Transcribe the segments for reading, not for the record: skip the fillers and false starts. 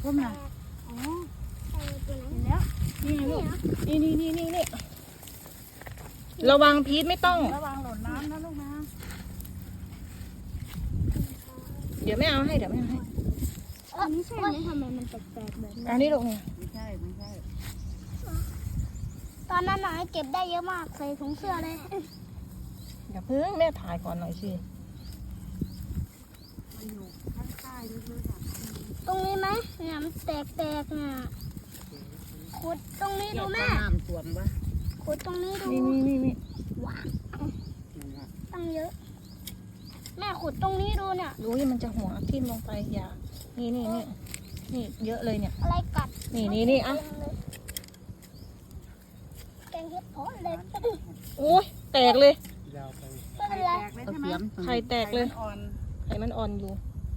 พุ่มน่ะอ๋อตัวนั้นเห็นแล้วนี่ไงลูกนี่ระวังพีทไม่ต้องระวังหล่นน้ำนะลูกนะเดี๋ยวไม่เอาให้อันนี้ใช่ไหมทำไมมันแปลกๆแบบนี้อันนี้ลูกเนี่ยไม่ใช่ตอนนั้นน่ะเก็บได้เยอะมากใส่ถุงเสื้อเลยอย่าเพิ่งแม่ถ่ายก่อนหน่อยสิมันอยู่ข้างใต้ลึกๆอ่ะตรงนี้ไหมเนี่ยมันแตกๆเนี่ยขุดตรงนี้ดูแม่น้ำส่วนวะขุดตรงนี้ดูนี่ว้าวตั้งเยอะ แม่ขุดตรงนี้ดูเนี่ยรู้ยังมันจะหัวทิ่มลงไปอย่านี่เยอะเลยเนี่ยอะไรกัดนี่อ่ะแกงเห็ดเพาะเลยโอ้ยแตกเลยยาวไปไม่เป็นไรแตกเลยใช่ไหมไข่แตกเลยอ่อนไข่มันอ่อนอยู่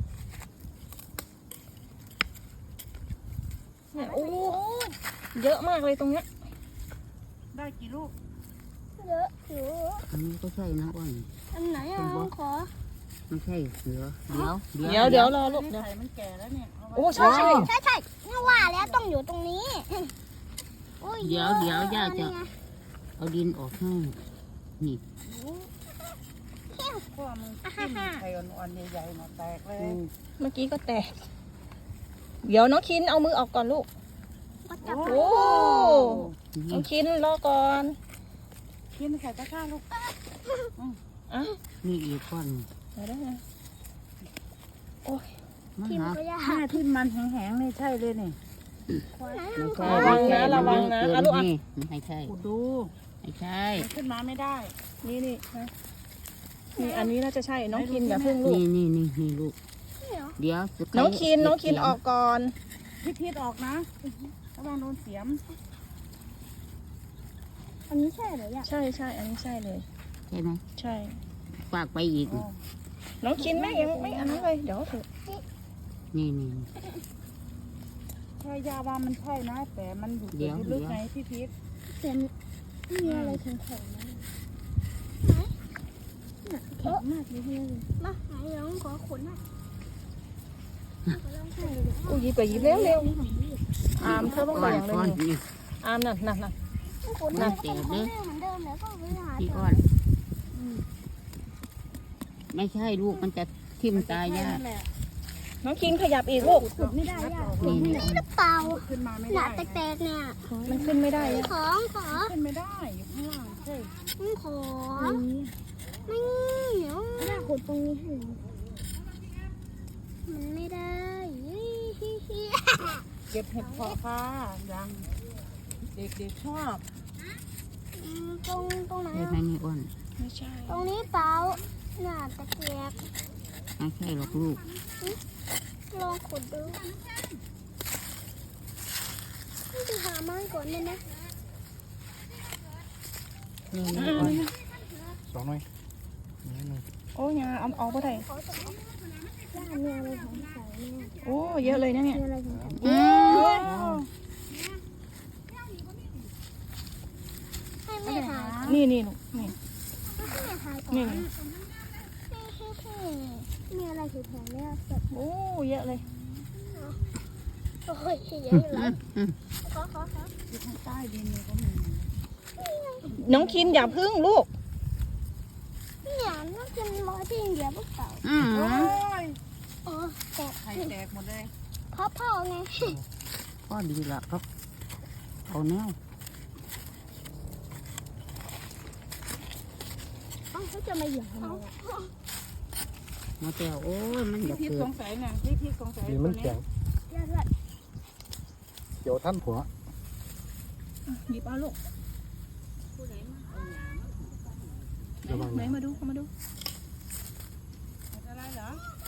เนี่ยโอ้เยอะมากเลยตรงเนี้ยได้กี่ลูกเยอะอยู่อันนี้ก็ใช่นะอ้วนอันไหนอ่ะขอไม่ใช่เสือเดี๋ยวเดี๋ยวรอลูกนี่เดี๋ยวไข่มันแก่แล้วเนี่ยเอาไว้โอ้ใช่ใช่เมื่อว่าแล้วต้องอยู่ตรงนี้อุ้เดี๋ยวย่าจะนี่ไงเอาดินออกให้นี่พวกมึงจิ้มไข่อ่อนๆใหญ่ๆมาแตกเลยเมื่อกี้ก็แตกเดี๋ยวน้องคินเอามือออกก่อนลูกก็จับโอ้ น้นี่องคินรอก่อนกินไข่ตะกร้าลูกอ่ะนี่อีกก้อนเดี๋ยวได้ไงมาทิมหาก็ยากหน้าที่มันแห้งๆนี่ใช่เลยนี่ไม่ใช่ระวังนะอ่ะลูกอ่ะนี่ไม่ใช่ขุดดูไม่ใช่มันขึ้นมาไม่ได้นี่นะนี่อันนี้น่าจะใช่น้องคินอย่าเพิ่งลูกนี่ลูกนี่เหรอเดี๋ยวน้องคินออกก่อนพิษออกนะระวังโดนเสียมอันนี้ใช่เหรอเนี่ยใช่อันนี้ใช่เลยใช่ไหมใช่ฝากไปอีกอ๋อน้องคินแม่ยังไม่อันนั้นเลยเดี๋ยวเถอะนี่ใช่ยาว่ามันใช่นะ แต่มันอยู่จุดลึกไงพี่พิษเสียงมีอะไรแข็งๆนะแข็งมากเลยพี่มาไหนน้องขอขุนหน่อยอุ้ยหยิบไปหยิบเร็วอามเธอต้องไปก้อนอย่างเลยก้อนนี่นี่อามนั่นขุนนั่นะนเจ็บเลยเหมือนเดิมแล้วก็ไปหาพี่เจก้ออนไม่ใช่ลูกมันจะทิ่มตายยากนั่นแหละน้องคินขยับอีกลูกขุดไม่ได้ยากนี่นี่หรือเปล่าขึ้นมาไม่หนาได้แตกๆเนี่ยมันขึ้นไม่ได้อะของขอขึ้นไม่ได้อยู่ข้างล่างใช่ขอไม่เดี๋ยวถ้าขุดตรงนี้ให้มันไม่ได้เก็บเห็ดเพาะค่ะยังเด็กๆชอบตรงไหนใช่ไหมนี่อ้วนไม่ใช่ตรงนี้เปล่าหนาตะเกียบไม่ใช่หรอกลูกลองขุดดูไปหาไม้ก่อนเลยนะนี่อ้วนสองหน่อยนี่หนึ่งโอ้ยงาเอาออกก็ได้ขอจะย่ามีอะไรของใส่เนี่ยโอ้เยอะเลยนะเนี่ยมีอะไรของใส่อืมให้แม่ถ่ายนี่ลูกนี่ให้แม่ถ่ายก่อนนี่มีอะไรถือแผงเนี่ยแบบโอ้เยอะเลยโอ้ยเยอะอยู่แล้วขออยู่ข้างใต้ดินเนี่ยก็มีน้องคินอย่าพึ่งลูกเนี่ยน่าจะรอที่อินเดียหรือเปล่าอืมโอ้ยอ๋อแตกไข่แตกหมดเลยเพราะพ่อไงก็ดีละครับเอาแนวเขาจะมาเหยียบทำไมอ่ะมาแต่โอ้ยมันอยากพี่เกิสดงสัยเนี่ยพี่สงสัยนี่ตัมัวน นี้แข็งย่าด้วยเกี่ยวท่านผัวหยิบเอาลูกระวังไหนนะมาดูเข้ามาดูอะไรเหรอ